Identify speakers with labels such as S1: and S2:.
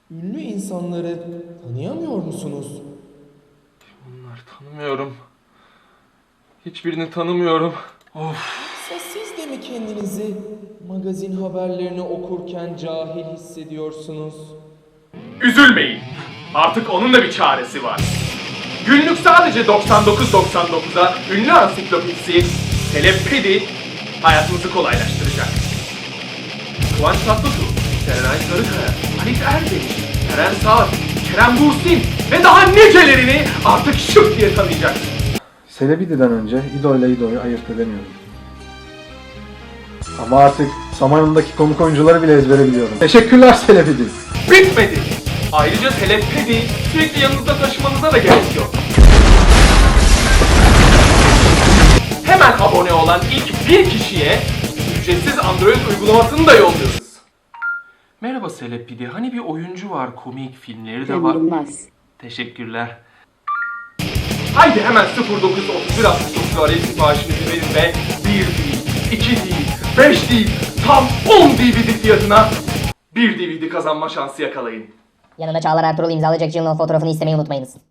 S1: Ünlü insanları tanıyamıyor musunuz?
S2: Bunlar tanımıyorum. Hiçbirini tanımıyorum. Of.
S1: Yoksa siz de mi kendinizi magazin haberlerini okurken cahil hissediyorsunuz?
S2: Üzülmeyin. Artık onun da bir çaresi var. Günlük sadece 99.99'a ünlü ansiklopedisi Telepedi hayatınızı kolaylaştıracak. Kıvanç Tatlıtuğ, Serenay Sarıkaya, Halit Ergenç, Eren Saat, Kerem Bürsin ve daha nicelerini artık şıp diye tanıyacaksın.
S3: Celebrity'den önce idol ile idolü ayırt edemiyordum. Ama artık Samanyolu'ndaki konuk oyuncuları bile ezbere biliyorum. Teşekkürler Celebrity.
S2: Bitmedi. Ayrıca Telepedi sürekli yanınızda taşımanıza da gerek yok. Hemen abone olan ilk bir kişiye ücretsiz Android uygulamasını da yolluyoruz. Merhaba Telepedi, hani bir oyuncu var, komik filmleri de var.
S4: Yılmaz.
S2: Teşekkürler. Haydi hemen 093169 arayıp siparişinizi verin ve 1 değil, 2 değil, 5 değil, tam 10 DVD fiyatına bir DVD kazanma şansı yakalayın.
S5: Yanında Çağlar Ertuğrul imzalayacak Jill fotoğrafını istemeyi unutmayınız.